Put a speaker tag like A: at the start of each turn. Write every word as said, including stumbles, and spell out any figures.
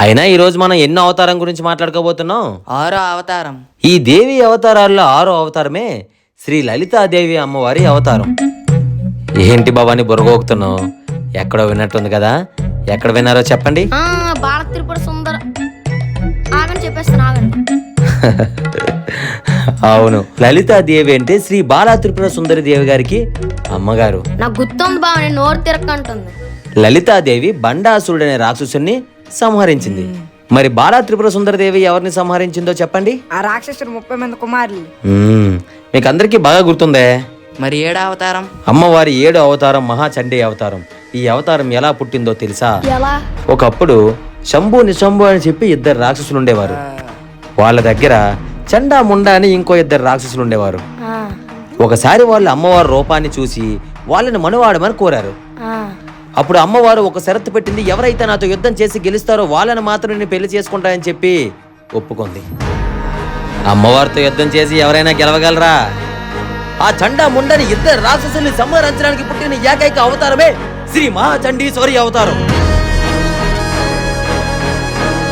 A: అయినా ఈ రోజు మనం ఎన్నో అవతారం గురించి మాట్లాడుకోబోతున్నాం.
B: ఆరో అవతారం.
A: ఈ దేవి అవతారాల్లో ఆరో అవతారమే శ్రీ లలితాదేవి అమ్మవారి అవతారం. ఏంటి బాబాని బుర్రగోగుతున్నావు? ఎక్కడో విన్నట్టుంది కదా, ఎక్కడ విన్నారో చెప్పండి.
C: బాల త్రిపుర సుందర ఆగని చెప్పేస్తాను ఆగండి.
A: అవును, లలితాదేవి అంటే శ్రీ బాలా త్రిపుర సుందరి దేవి గారికి అమ్మగారు.
C: నాకు గుర్తుంది బావ, నేను నోరు తిరక్కంటుంది.
A: లలితాదేవి బండాసురుడనే రాక్షసుని సంహరించింది. మరి బాలా త్రిపుర సుందరదేవి ఎవరిని సంహరించిందో చెప్పండి.
D: ఆ రాక్షసుడు ముప్పై మంది కుమారులు.
A: మ్మ్, మీకు అందరికీ బాగా గుర్తుందే.
B: మరి ఏడో అవతారం?
A: అమ్మవారి ఏడో అవతారం మహాచండీ అవతారం. ఈ అవతారం ఎలా పుట్టిందో తెలుసా?
C: ఎలా?
A: ఒకప్పుడు శంభు నిశంభు అని చెప్పి ఇద్దరు రాక్షసులు ఉండేవారు. వాళ్ళ దగ్గర చండా ముండా అని ఇంకో ఇద్దరు రాక్షసులు ఉండేవారు. ఒకసారి వాళ్ళు అమ్మవారి రూపాన్ని చూసి వాళ్ళని మనువాడమని కోరారు. అప్పుడు అమ్మవారు ఒక షరతు పెట్టింది, ఎవరైతే నాతో యుద్ధం చేసి గెలుస్తారో వాళ్ళని మాత్రం నేను పెళ్లి చేసుకుంటానని చెప్పి ఒప్పుకుంది. అమ్మవారితో యుద్ధం చేసి ఎవరైనా గెలవగలరా? ఆ చండా ముండని ఇద్దరు రాక్షసుల్ని సంహరించడానికి పుట్టిన ఏకైక అవతారమే శ్రీ మహాచండీశ్వరి అవతారం.